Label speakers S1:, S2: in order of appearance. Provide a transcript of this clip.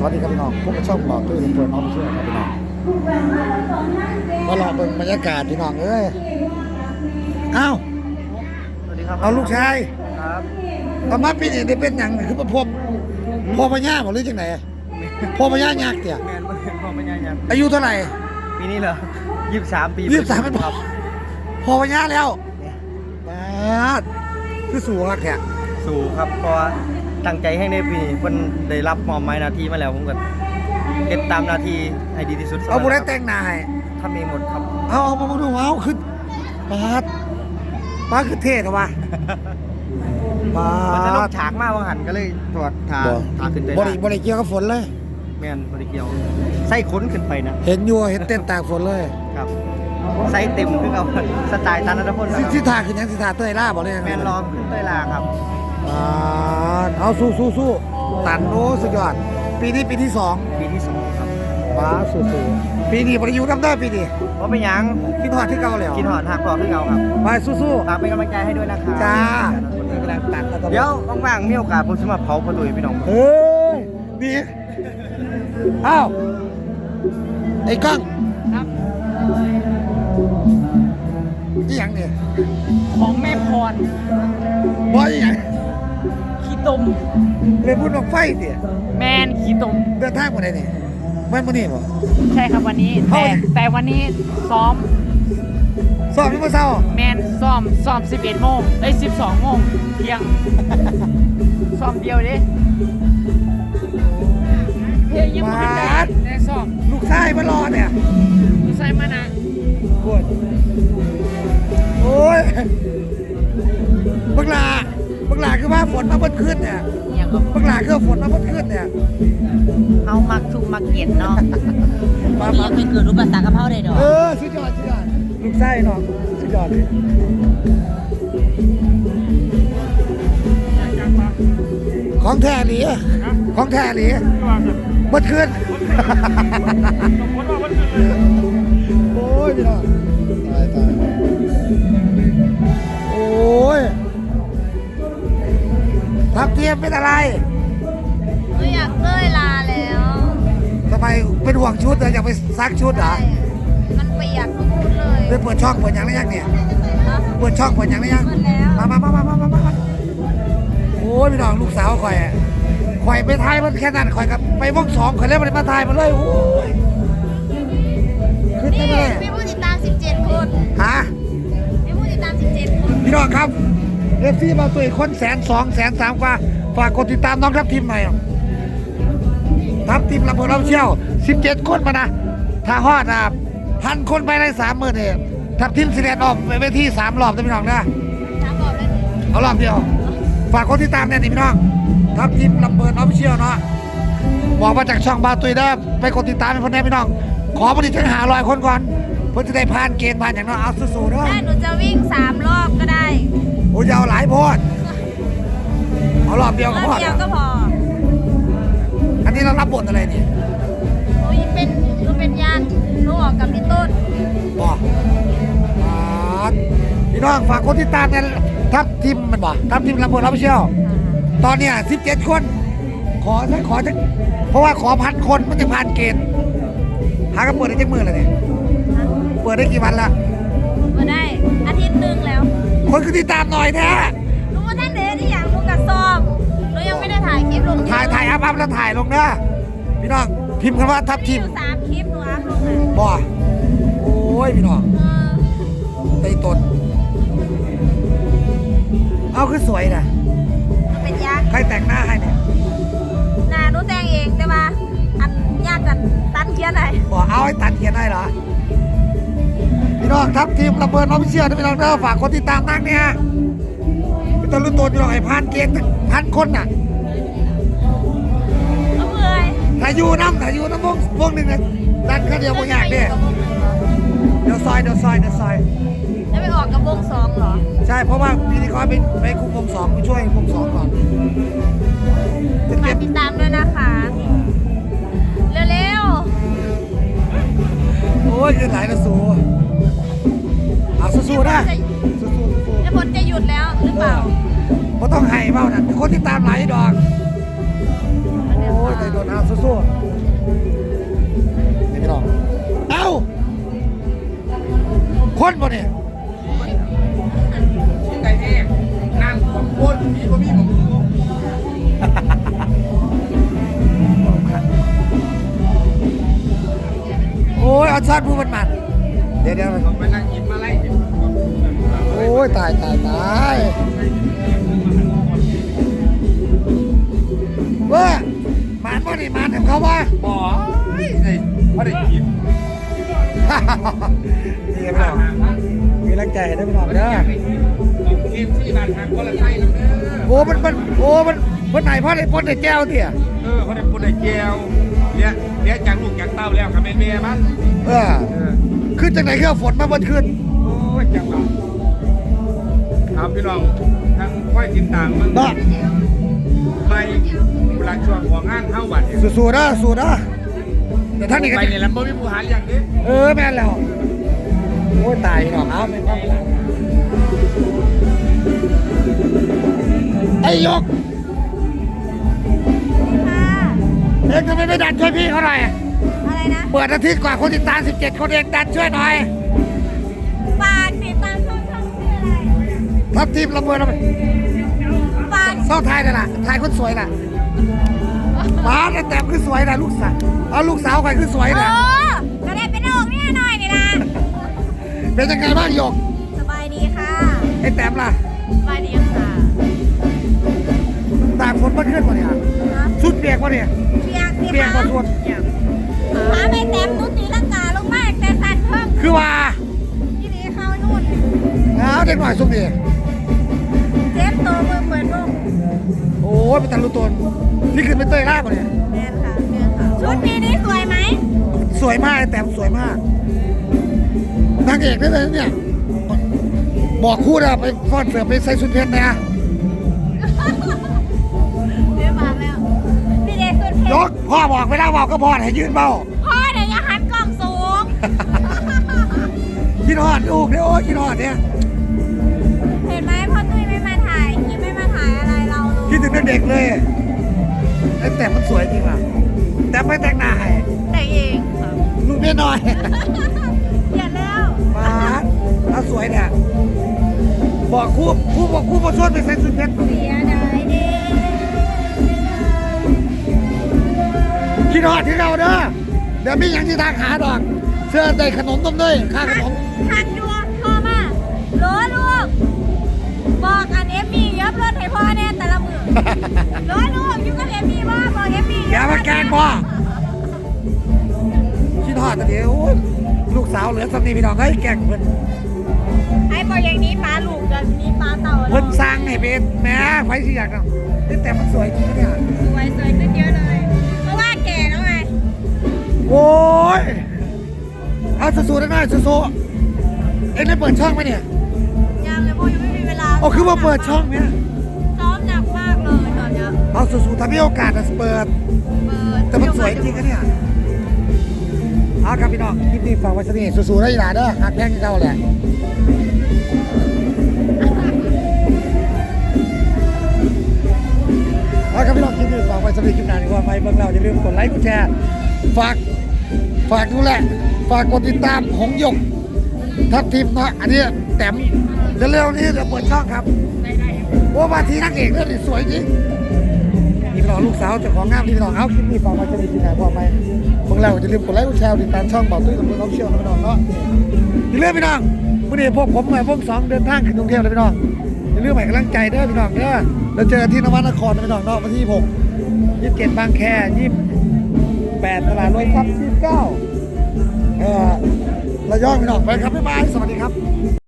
S1: วัสดีครับพี่น้องพวกช่องบอกด้วยเปิดน้องเชื่อครับพี่น้องมาหล่อเบิ่งบรรยากาศพี่น้องเอ้ยเอ้า
S2: สวัสดีครับ
S1: เอาลูกชาย
S2: ครับ
S1: เอามาปีนี้ได้เป็นหยังคือพ่อพญาบอกหรือจังไหนพ่อพญายักษ์เตี่ย
S2: แมนมาเห็นพ่อไม่ยังยัง
S1: อายุเท่าไหร่
S2: ปีนี้เหรอ23 ปี
S1: 23เป็นพ่อพญาแล้วบาดคือสูงอะแขก
S2: สู่ครับเพราะว่าตั้งใจให้ในปีนี้เพิ่นได้รับมอบหมายหน้าที่มาแล้วผมก็เฮ็ดตามหน้าที่ให้ดีที่สุด
S1: เอาบุได้แต่งหน้าให้
S2: ทำเองหมดครับ
S1: เอามาดูเอาคือปาดคือเท่เหรอวะปา
S2: มันจะลง
S1: ด
S2: ฉากมากว่าหันก็เลยถอดทาขึ้นไป
S1: บริเกี่ยวกับฝนเลย
S2: แมนบริเกียวใส่ขนขึ้นไปนะ
S1: เห็นอยู่เห็นเต้นตากฝนเลย
S2: ครับใส่เต็มคือเอาสไตล์ตันนัทพลนะครับ
S1: สิทาคือยังสิทาเต้ยล่าบอกเลย
S2: แมนลองขึ้นเต้ยลาครับ
S1: เอาสู้ตันโอ้สุดยอดปีนี้ปีที่2
S2: ปีที่2ครับ
S1: ป้าสู้ปีนี้บริยูน้ำได้ปีนี้
S2: ว่าเป็นหยัง
S1: คิดหอดที่เก่าแล้ว
S2: กินหอดหักพอขึ้นเอาครับ
S1: ไปสู้
S2: ฝากเป็นกำลังใจให้ด้วยนะครับ
S1: จ้า
S2: กำลังตัดเดี๋ยวว่างๆมีโอกาสผมจะมาเผาประตูให้พี่น้อง
S1: เฮ้ยนี่อ้าวไอ้ก้อง
S3: ครับ
S1: นี่ยังเนี่ย
S3: ของแม่พร
S1: บอยยัง
S3: ขี้ตม
S1: เลยพูดว่าไฟเนี่ย
S3: แมนขี้ตม
S1: เดินทางมาไหนนี่มันมานี่บ่
S3: ใช่ครับวันนี้
S1: เฮ้ย
S3: แต่วันนี้ซ้อม
S1: สอบที่มาเศร้า
S3: แมนซ้อม11 โมง12 โมงเที่ยง ซ้อมเดียวดิเพลงยังไม่ทันได้แต่ซ้อม
S1: ลูกชายมารอเนี่ย
S3: ดูใส่มานะ
S1: ปวดโอ้ยบักหลาคือว่าฝนมาเพิ่นขึ้นเนี่ย
S4: อย่างก็
S1: บักหลาคือฝนมาเพิ่นขึ้นเนี่ย
S4: เอามักชุมมักเก็ดเนาะ
S1: มา
S4: นี่ยังไม่เกิดรูปภาษากระเพราได้ดอก
S1: สุดยอดลูกไส้เนาะสุดยอดเลยของแท้หลีของแท้หลีเบิดขึ้นโอ้ยพี่น้องตายโอ้ยทับเทียมเป็นอะไร
S5: ไม่อยากเต้ยลาแล้ว
S1: ทำไมเป็นห่วงชุดเหรออยากไปซักชุดเหรอ
S5: มันเปียกทุกชุดเลย
S1: ไปเปิดช่องเปิดอย่างไรยังเนี่ย
S5: ฮะ
S1: เปิดช่องเปิดอย่างไรยัง
S5: เปิดแล้ว
S1: มาโอ้ยพี่น้องลูกสาวข่อยไปทายมันแค่นั้นข่อยกับไปวง2ข่อยเล่นมันมาทายมันเลยโอ้ยขึ้น
S5: นี่
S1: ได้ไหม
S5: มีผู้ติดตาม 17 คน
S1: ฮะ
S5: มีผู้ติดตาม 17 คน
S1: พี่น้องครับเอฟซีมาตัวอีกคน102,000,003กว่าฝากกดติดตามน้องทัพทีมหน่อยทัพทีมลำพูนเราเชี่ยว17 คนมานะถ้าฮอด1,000 คนไปใน30,000เนี่ยทัพทีมสิเดนออกไปที่3 รอบนะพี่น้องนะ
S5: ถามบอกได้ไหม
S1: เอารอบเดียวฝากกดติดตามแน่นี่พี่น้องทัพทีมลำเบิร์นออฟฟิเชียลเนาะบอกมาจากช่องบาตุยได้ไปกดติดตามให้คนแน่พี่น้องขอผลิตถึง500 คนก่อนเพื่อจะได้ผ่านเกณฑ์ผ่านอย่างน้อยเอาสู้ๆเนาะ
S5: ถ้าหนูจะวิ่ง 3 รอบก็ได้
S1: โอ้ยาวหลายโพดเอารอบเดียว
S5: ร
S1: ก็
S5: อบ
S1: พอ
S5: เดียวก็พอ
S1: อันนี้เรารับบทอะไรนี่
S5: หนูเป็นญาติหนูออกกับพี่ต้น
S1: บอกพี่น้องฝากกดติดตามกันทัพทีมมันบอกทัพทีมลำเบิร์นออฟฟิเชียลตอนเนี้ย17 คนขอสักเพราะว่าขอ1,000 คนมันจะผ่านเกณฑ์หากันเปิดได้จักมือเลยเนี่ยเปิดได้กี่วันละ
S5: มาได้อาทิตย์หนึงแล้ว
S1: คนคือติดตามหน่อยแท้
S5: หนูว่าท่านเดชที่อย่างหนูกับซ้อมหนูยังไม่ได้ถ่ายคลิปลง
S1: ถ่ายอัพแล้วถ่ายลงเด้อพี่น้องพิมพ์คำว่าทัพทีม
S5: อยู่3 คลิปหนูอัพลงเลย
S1: บ่โอ้ยพี่น้องไต้ตนเอาคือสวยนะ
S5: หนูเป็นยักษ์
S1: ใครแต่งหน้าให้เนี่ย
S5: หน้าหนูแต่งเองแต่ว่าอันยากกันตันเขียนไหน
S1: บอกเอาให้ตัดเขียนได้เหรอพี่น้องทัพทีมระเบิดน้องเชื่อนะพี่น้องเด้อฝากคนติดตามนักเนี่ยพี่ต้นรุ่นโตพี่น้องไอ้ผ่านเกณฑ์1,000 คนน่ะ
S5: ก็เมื่อย
S1: ถ้าอยู่น้ำวงหนึ่งนะดันแค่เดียวบ่ยากเด้เดี๋ยวซอย
S5: แล้วไปออกกับวงสองเหรอ
S1: ใช่เพราะว่าปีนี้เขาไปคุมวง2ไปช่วยวง2ก่อนจะ
S5: ฝา
S1: เก็
S5: ก
S1: บ
S5: ติดตามด้วยนะคะ เร็ว
S1: โอ้ยคือไหลละสูเอา
S5: ๆ
S1: สู้ๆนะสู้
S5: แล้วผลจะหยุดแล้วหรือเปล่า
S1: ๆเพราะต้องให้เบ้านั่นคนที่ตามไหลายดอกโอ้ยยใจโดนเอาสู้ๆนี่พี่น้องเอ้าคนบ่เนี่ย
S6: ไก่แห้งนั่งของคนมีบ่มีของกู
S1: โอ้ยเอาชาติผู้มันเดี๋ยว
S6: เขาไปนั่งกินมาไล่
S1: โอ้ยตายเว้ยหมานบ่นี่หมานเห็นเขาว่า
S6: บ่ไอ้เขาได้กิน
S1: นี่พี่น้องมีรังใจได้พี่น้องเด้อ
S6: เกมที่บ้านทางคนละไทยแล้วเด้อ
S1: โอ้มันไหนพ่อได้พ่นได้แก้วเถี่ย
S6: เขาได้ปุ่นได้แก้วเนี่ยจากลูกจากเต้าแล้วกับแม่มัน
S1: ขึ้นจากไหนเครื่องฝนมาบนขึ้น
S6: โอ้ยจังหวะครับพี่น้องทั้งค่อยติดตามมัน
S1: บ้า
S6: ไปเวลาช่วงของงานเท่าวันเนี่ย
S1: สู้ๆนะแต่ท่านนี่ก็
S6: ไปเนี่ยแล้วบ่มีผู้หาอย่างนี้
S1: แม่นแล้วโอ้ยตายพี่น้องเอาไม่ต้องไอ้ยก
S5: ค่ะ
S1: เอ็งทำไมไม่ดันช่วยพี่เขาหน่อย
S5: อะไรนะ
S1: เปิดอาทิตย์กว่าคนติดตาม17 คนเองดันช่วยหน่อย
S5: ฝากติดตามช่องชื่ออะไร
S1: ทัพทีมละเมอละ
S5: ฝาก
S1: เศร้าไทยน่ะล่ะไทยคนสวยน่ะป้าแต่คือสวยน่ะลูกสาวเอาลูกสาวใครคือสวยน่ะ
S5: ก็ได้เป็นโอกเนี่ยหน่อยนี่ล่ะ
S1: เป็นยังไงบ้างหยก
S5: สบายดีค่ะ
S1: ไอ้แต้มล่ะ
S5: สบายดีค่ะ
S1: ตากฝนมาขึ้นมาเนี่ยสุดเปียกมาเนี่ย
S5: เปียก
S1: เปียกมาสุด
S5: หาไม่เต็มนุตีลังกาลงมากแต่สั่นเพิ่ม
S1: คือว่า
S5: ที่นี่เข้านู่น
S1: เอาเด็กหน่อยสุดดิ
S5: เจ็บตัวมือเปิดวง
S1: โอ้ยเป็นตาลุตนที่ขึ้นไปเตยล่ามาเนี่ย
S5: แม่นค่ะชุดปีนี้สวยไหม
S1: สวยมากไอ้แต้มสวยมากนางเอกได้เลยเนี่ยบอกคู่นะไปฟอนเสือไปใส่ชุดเพชรนะ
S5: เรียบร้อยแล้วพี่เดชสุดเพ
S1: ย
S5: ช
S1: ก
S5: ร
S1: พ่อบอกไม่ได้บอกก็พอให้ยืนเบา
S5: พ่อเดี๋ยวอย่าหันกล้องสูง
S1: คิดฮอดลูกเนี่ยโอ้ยคิดฮอดเนี่ย
S5: เห็นไหมพ่อตุ้ยไม่มาถ่ายคิดไม่มาถ่ายอะไรเราเลย
S1: คิดถึงเด็กๆเลยไอ้แต่มันสวยจริงว่ะแต่ไม่แต่งหน้าให้
S5: แต่งเองค่ะ
S1: ลูกเมียน้อย
S5: เขียนแล้ว
S1: มาเอาสวยเนี่ยบอกคู่มาชวนไปใส่ชุดเพชร
S5: เสียดายเด้
S1: คิดฮอดที่เราเด้อเดี๋ยวมีอย่างที่ทางหาดอก เสื้อใส่ขนมต้มเนยค่าขนม
S5: ทักดูพ่อมาโหลลูกบอกอันเอฟมียับรถให้พ่อแน่แต่ละมือโหลลูกอยู่กับเอฟมีบ่บอกเอฟมี
S1: อย่ามาแกล้งพ่อคิดฮอดแต่เดี๋ยวโอ้ยลูกสาวเหลือสำนีพี่น้องเฮ้ยแกล้งเพิ่น
S5: ให้บอกอย่างนี้ปลาลูกกันนี้ปลาเต่า
S1: เพิ่นสร้างให้เป็นแหม่ไฟสิอยากเนาะแต่มันสวยจริงนะเนี่ย
S5: สวยขึ้นเยอะเลย เพราะว่าแก่แล้วไง
S1: โอ้ยเอาสู้ๆได้ไหมสู้ๆเอ็งได้เปิดช่องไหมเนี่ย
S5: ยังเลยพ่อยังไม่มีเวลา
S1: อ๋อคือว่าเปิดช่องเนี่ย
S5: ซ้อมหนักมากเลยตอนเนี้ย
S1: เอาสู้ๆถ้ามีโอกาสจะเปิด แต่มันสวยจริงนะเนี่ยเอาครับพี่น้องคลิปนี้ฝากไว้สักนิดสู้ๆได้หลาเด้อหักแพงที่เก่าแหละเอาครับพี่น้องคลิปนี้ฝากไว้สักนิดคลิปหน้าดีกว่าไปเบิ่งเราอย่าลืมกดไลค์กดแชร์ฝากดูแลฝากกดติดตามหงหยกทัพทีมเนาะอันนี้แต้มเร็วๆนี้จะเปิดช่องครับโอ้มาทีนักเอกเรื่องนี้สวยจริงนี่พี่น้องลูกสาวเจ้าของงามที่พี่น้องเอาคลิปนี้ฝากไว้สักนิดคลิปหน้าพอไหมเบิ่งเราอย่าลืมกดไลค์กดแชร์ติดตามช่องบอกตุ้ยกับเพื่อนเขาเชี่ยวนะพี่น้องเนาะอย่าลืมพี่น้องวันนี้พวกผมพวกสองเดินทางขึ้นกรุงเทพเลยพี่น้องอย่าลืมให้กำลังใจเด้อพี่น้องเด้อเราเจอที่นวนครนะพี่น้องเนาะวันที่27บางแค28ตลาดรถครับ29ระยองพี่น้องไปครับบ๊ายบายสวัสดีครับ